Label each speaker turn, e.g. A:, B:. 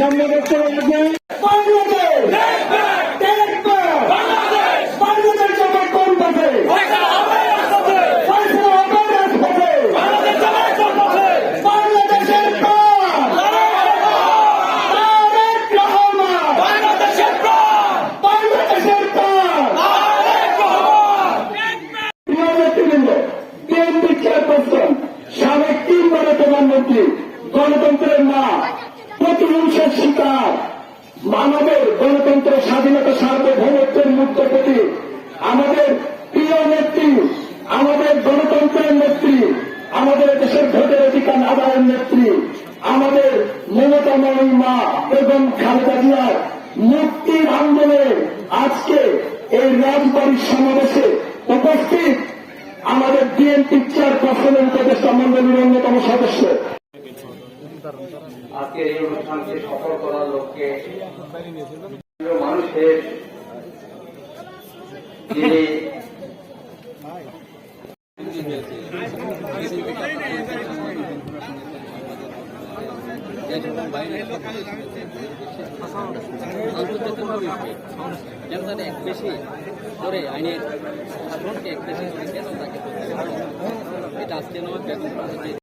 A: সামনে দেখতে লাগবে সাবেক 3 বারের প্রধানমন্ত্রী, গণতন্ত্রের মা, প্রতিহিংসার শিকার, আমাদের গণতন্ত্র, স্বাধীনতা, সার্বভৌমত্বের মুক্ত প্রতি আমাদের প্রিয় নেত্রী, আমাদের গণতন্ত্রের নেত্রী, আমাদের দেশের ভোটের অধিকার আদায়ের নেত্রী, আমাদের মমতাময়ী মা এবং খালেদা জিয়ার মুক্তির আন্দোলনে আজকে এই রাজবাড়ির সমাবেশে উপস্থিত আমাদের বিএনপি চেয়ারপারসনের উপদেষ্টা মন্ডলীর অন্যতম সদস্য।
B: আজকের এই অনুষ্ঠানকে সফল করার লক্ষ্যে মানুষের যিনি
C: এক বেশি করে আইনের সাধারণকে এক বেশি করে কেন তাকে এটা আজকে নয়